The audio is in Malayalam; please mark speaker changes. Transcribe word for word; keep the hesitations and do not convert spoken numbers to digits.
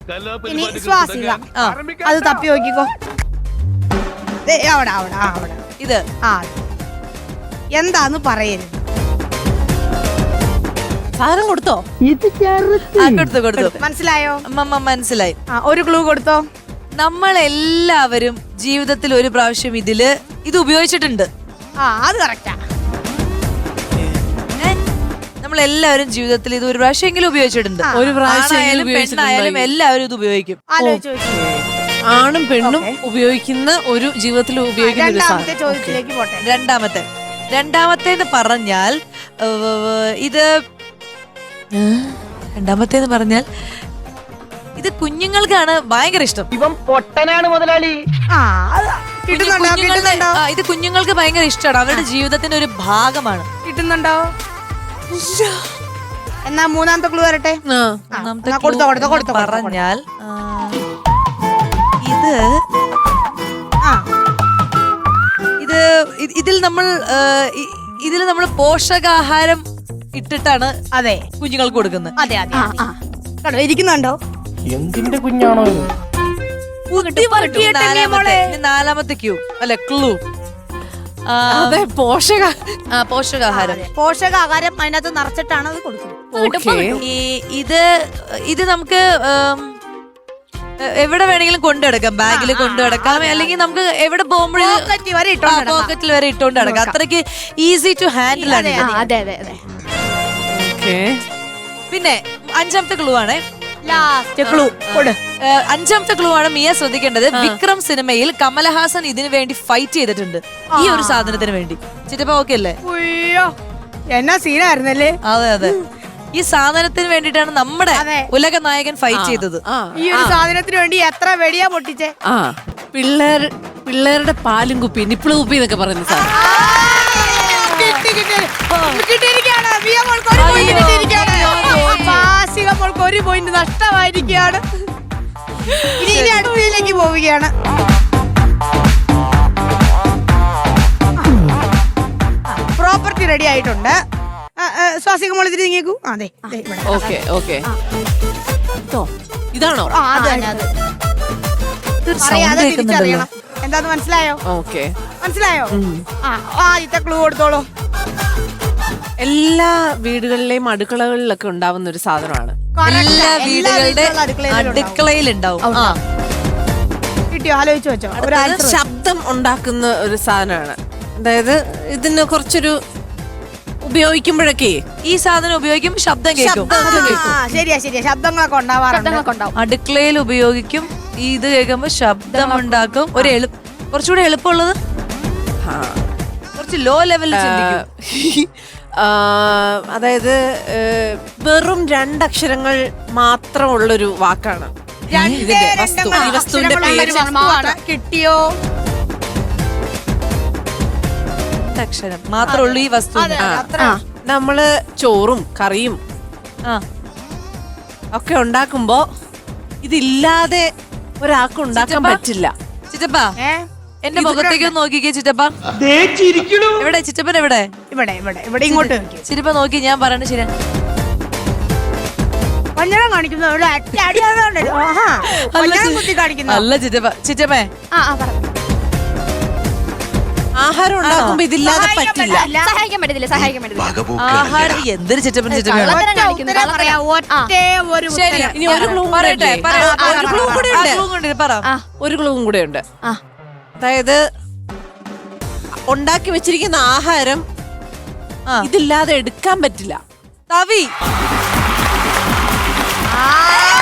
Speaker 1: ഇനി സ്വാസിക അത് തപ്പി നോക്കിക്കോ. ദേ, അവിടെ അവിടെ ആ, അവിടെ
Speaker 2: ഇത്
Speaker 1: ആ എന്താന്ന് പറയരുത്.
Speaker 3: സാധനം കൊടുത്തോ?
Speaker 2: ആ, കൊടുത്തു കൊടുത്തു.
Speaker 1: മനസ്സിലായോ?
Speaker 2: അമ്മമ്മ മനസ്സിലായി.
Speaker 1: ആ ഒരു ക്ലൂ കൊടുത്തോ.
Speaker 2: നമ്മൾ എല്ലാവരും ജീവിതത്തിൽ ഒരു പ്രാവശ്യം ഇതില് ഇത് ഉപയോഗിച്ചിട്ടുണ്ട്.
Speaker 1: ആ അത് കറക്റ്റാ.
Speaker 2: നമ്മൾ എല്ലാവരും ജീവിതത്തിൽ ഇത് ഒരു പ്രാവശ്യമെങ്കിലും ഉപയോഗിച്ചിട്ടുണ്ട്.
Speaker 3: ഒരു പ്രാവശ്യം
Speaker 2: ആണായാലും പെണ്ണായാലും എല്ലാവരും ഇത് ഉപയോഗിക്കും.
Speaker 1: ആലോചിച്ച് നോക്കി.
Speaker 3: ആണും പെണ്ണും ഉപയോഗിക്കുന്ന ഒരു ജീവിതത്തിൽ ഉപയോഗിക്കുന്ന ഒരു
Speaker 1: രണ്ടാമത്തെ
Speaker 3: സാധനം.
Speaker 1: ചോദ്യത്തിലേക്ക് പോട്ടെ.
Speaker 2: രണ്ടാമത്തെ രണ്ടാമത്തേന്ന് പറഞ്ഞാൽ ഏഹ്, ഇത് രണ്ടാമത്തേന്ന് പറഞ്ഞാൽ ഇത് കുഞ്ഞുങ്ങൾക്കാണ് ഭയങ്കര ഇഷ്ടം.
Speaker 4: ഇവൻ പൊട്ടനാണ് മുതലാളി.
Speaker 1: ആ അത് കിട്ടുന്നുണ്ടോ?
Speaker 2: കുഞ്ഞുങ്ങളുടെ
Speaker 1: കിട്ടുന്നുണ്ടോ?
Speaker 2: ആ, ഇത് കുഞ്ഞുങ്ങൾക്ക് ഭയങ്കര ഇഷ്ടമാണ്. അവരുടെ ജീവിതത്തിന്റെ ഒരു ഭാഗമാണ്.
Speaker 1: കിട്ടുന്നുണ്ടോ? എന്നാ മൂന്നാമത്തെ ക്ലൂ വരട്ടെ.
Speaker 3: ആ.
Speaker 1: ആ,
Speaker 2: ഒന്നാമത്തെ
Speaker 1: എന്നാ കൊടുത്തോ, കൊടുത്തോ,
Speaker 2: clue
Speaker 1: കൊടുത്തോ, കൊടുത്തോ.
Speaker 2: പറഞ്ഞാൽ ആ, ഇത്
Speaker 1: ആ
Speaker 2: ഇത് ഇ- ഇതിൽ നമ്മൾ ആ, ഇ- ഇതിൽ നമ്മൾ പോഷകാഹാരം ഇട്ടിട്ടാണ്
Speaker 1: അതെ
Speaker 2: കുഞ്ഞുങ്ങൾക്ക് കൊടുക്കുന്നത്.
Speaker 1: അതെ അതെ ആ, ആ. കണ്ടോ ഇരിക്കുന്നുണ്ടോ?
Speaker 4: എന്തിന്റെ കുഞ്ഞാണോ ഇത്?
Speaker 1: ബുദ്ധിപരട്ടിയിട്ടല്ലേ
Speaker 2: നാലാമത്തെ
Speaker 1: മോളെ?
Speaker 2: ഇനി നാലാമത്തെ ക്യൂ അല്ലെ ക്ലൂ.
Speaker 3: അതെ, പോഷക
Speaker 2: പോഷകാഹാരം.
Speaker 1: പോഷകാഹാരം അതിനകത്ത് നിറച്ചിട്ടാണ് അത് കൊടുക്കുന്നത്.
Speaker 3: ഓക്കേ.
Speaker 2: ഈ ഇത് ഇത് നമുക്ക് ഉം, എ- എവിടെ വേണമെങ്കിലും കൊണ്ടുനടക്കാം. ബാഗിൽ കൊണ്ടുനടക്കാം, അല്ലെങ്കിൽ നമുക്ക് എവിടെ പോകുമ്പോഴും
Speaker 1: പോക്കറ്റ് വരെ ഇട്ടോണ്ട് നടക്കാം.
Speaker 2: പോക്കറ്റിൽ വരെ ഇട്ടുകൊണ്ട് നടക്കാം. അത്രയ്ക്ക് ഈസി ടു ഹാൻഡിൽ ആണ് ഇത്.
Speaker 1: അതെ അതെ അതെ.
Speaker 3: ഓക്കേ.
Speaker 2: പിന്നെ അഞ്ചാമത്തെ ക്ലൂ ആണ്.
Speaker 1: ലാസ്റ്റ് ക്ലൂ കൊടു.
Speaker 2: ഏഹ്, അഞ്ചാമത്തെ ക്ലൂ ആണ് മിയ ശ്രദ്ധിക്കേണ്ടത്. വിക്രം സിനിമയിൽ കമലഹാസൻ ഇതിനു വേണ്ടി ഫൈറ്റ് ചെയ്തിട്ടുണ്ട്, ഈ ഒരു സാധനത്തിന് വേണ്ടി. ചിറ്റപ്പ ഓക്കെ അല്ലേ?
Speaker 1: ഉയ്യോ, എന്നാ സീനായിരുന്നല്ലേ.
Speaker 2: അതെ അതെ, ഈ സാധനത്തിന് വേണ്ടിയിട്ടാണ് നമ്മുടെ
Speaker 1: അതെ.
Speaker 2: ഉലക നായകൻ ഫൈറ്റ് ചെയ്തത്.
Speaker 3: ആ,
Speaker 1: ഈ ഒരു സാധനത്തിന് വേണ്ടി എത്ര വെടിയാ പൊട്ടിച്ചേ.
Speaker 3: ആ പിള്ളേർ പിള്ളേരുടെ പാലും കുപ്പി, നിപ്പിള് കുപ്പി എന്നൊക്കെ പറയുന്ന സാധനം.
Speaker 1: കിട്ടി, കിട്ടി. കിട്ടിയിരിക്കുകയാണ്. മിയ മോൾക്ക് ഒരു point
Speaker 2: അയ്യോ.
Speaker 1: കിട്ടിയിരിക്കുകയാണ്. വാസിക മോൾക്ക് ഒരു പോയിന്റ് നഷ്ടമായിരിക്കുകയാണ്. ഇനി ഇനി അടുത്തതിലേക്ക് പോവുകയാണ്. പ്രോപ്പർട്ടി റെഡി ആയിട്ടുണ്ട്. ആ, ആ, സ്വാസിക മോൾ ഇതിന് നീങ്ങിക്കൂ. അതെ
Speaker 3: ഓക്കെ ഓക്കെ. ഇതോ? ഇതാണോ?
Speaker 1: അത് തന്നെ അത്.
Speaker 2: ഇതൊരു sound
Speaker 1: അറിയാതെ
Speaker 2: കേൾക്കുന്നുണ്ടല്ലോ.
Speaker 1: തിരിച്ചറിയണം. എന്താന്ന് മനസ്സിലായോ?
Speaker 3: ഓക്കെ.
Speaker 1: മനസ്സിലായോ? ആ ആദ്യത്തെ ക്ലൂ കൊടുത്തോളൂ.
Speaker 3: എല്ലാ വീടുകളിലെയും അടുക്കളകളിലൊക്കെ ഉണ്ടാവുന്ന ഒരു സാധനമാണ്.
Speaker 1: Correct.
Speaker 2: എല്ലാ വീടുകളുടെ
Speaker 1: വീടുകളിലും അടുക്കളയിലും ഉണ്ടാവും.
Speaker 2: അടുക്കളയിൽ ഉണ്ടാവും. ആ.
Speaker 1: കിട്ടിയോ? ആലോചിച്ച് വെച്ചോ. ഒരു answer.
Speaker 3: ശബ്ദം ഉണ്ടാക്കുന്ന ഒരു സാധനമാണ്. അതായത് ഇതിന് കുറച്ചൊരു ഉപയോഗിക്കുമ്പോഴൊക്കെ
Speaker 2: ഈ സാധനം ഉപയോഗിക്കും, ശബ്ദം കേൾക്കും.
Speaker 1: ആ, ശരിയാ ശരിയാ, ശബ്ദങ്ങളൊക്കെ ഉണ്ടാവാറുണ്ട്.
Speaker 2: അടുക്കളയിൽ ഉപയോഗിക്കും, ഈ ഇത് കേൾക്കുമ്പോ ശബ്ദം ഉണ്ടാക്കും. ഒരു എളു കുറച്ചുകൂടെ എളുപ്പമുള്ളത്
Speaker 3: ആ,
Speaker 2: കുറച്ച് ലോ ലെവലിൽ ചിന്തിക്കും.
Speaker 3: ആ, അതായത് ഏ, വെറും രണ്ടക്ഷരങ്ങൾ മാത്രമുള്ളൊരു വാക്കാണ്
Speaker 1: രണ്ടേ
Speaker 3: ഇതിന്റെ വസ്തു.
Speaker 1: രണ്ടങ്ങൾ
Speaker 3: ഈ വസ്തുവിന്റെ
Speaker 1: അക്ഷരങ്ങളുള്ള ഒരു
Speaker 3: പേര്
Speaker 1: വസ്തുവാണ്. കിട്ടിയോ?
Speaker 2: അക്ഷരം മാത്രമേ ഉള്ളൂ ഈ വസ്തു.
Speaker 1: അതെ,
Speaker 3: ആ,
Speaker 1: അത്ര.
Speaker 3: ആ. നമ്മള് ചോറും കറിയും
Speaker 2: ആ,
Speaker 3: ഒക്കെ ഉണ്ടാക്കുമ്പോ ഇതില്ലാതെ ഒരാൾക്ക് ഉണ്ടാക്കാൻ
Speaker 2: ചിറ്റപ്പ?
Speaker 3: പറ്റില്ല.
Speaker 2: ചിറ്റപ്പ
Speaker 1: ഏ?
Speaker 2: എന്റെ മുഖത്തേക്ക് ഒന്ന് നോക്കിക്കേ ചിറ്റപ്പ.
Speaker 4: ദേ ചിരിക്കണു.
Speaker 2: എവിടെ ചിറ്റപ്പൻ എവിടെ?
Speaker 1: ഇവിടെ ഇവിടെ ഇവിടെ ഇങ്ങോട്ട് വെക്ക്.
Speaker 2: ചിറ്റപ്പ നോക്കി, ഞാൻ പറയണ ശരി.
Speaker 1: കൊഞ്ഞണം കാണിക്കുന്നു. ഇവിടെ അടി അടിയാകുന്നുണ്ടല്ലോ. ആഹാ. കൊഞ്ഞണം കുത്തി കാണിക്കുന്നു.
Speaker 2: അല്ല ചിറ്റപ്പ, ചിറ്റപ്പേ
Speaker 1: ആ, ആ, പറ.
Speaker 3: ആഹാരം ഉണ്ടാക്കുമ്പോ ഇതില്ലാതെ
Speaker 1: സഹായിക്കാൻ
Speaker 3: പറ്റില്ല.
Speaker 1: പറ്റില്ല.
Speaker 5: സഹായിക്കാൻ പറ്റത്തില്ല സഹായിക്കാൻ പറ്റത്തില്ല
Speaker 2: ആഹാരം എന്തൊരു ചിറ്റപ്പൻ ചിറ്റപ്പനാണ്.
Speaker 1: ഒറ്റ ഉത്തരം പറയാം. ഒറ്റേ ഒരു
Speaker 2: ശരി,
Speaker 1: ഉത്തരം.
Speaker 3: ഇനി ഒരു ക്ലൂ
Speaker 2: പറയട്ടെ, പറയട്ടെ.
Speaker 1: ആ,
Speaker 2: ഒരു
Speaker 1: പറ,
Speaker 2: clue
Speaker 1: പറ,
Speaker 2: കൂടെ
Speaker 1: പറ.
Speaker 2: ഉണ്ട്. ആ, clue കൂടെ ഉണ്ട്. പറ.
Speaker 3: ഒരു ക്ലൂവും കൂടെ ഉണ്ട്.
Speaker 5: ആ.
Speaker 3: അതായത് ഉണ്ടാക്കി വെച്ചിരിക്കുന്ന ആഹാരം
Speaker 2: ആ.
Speaker 3: ഇതില്ലാതെ എടുക്കാൻ പറ്റില്ല.
Speaker 2: തവി.
Speaker 1: ആ,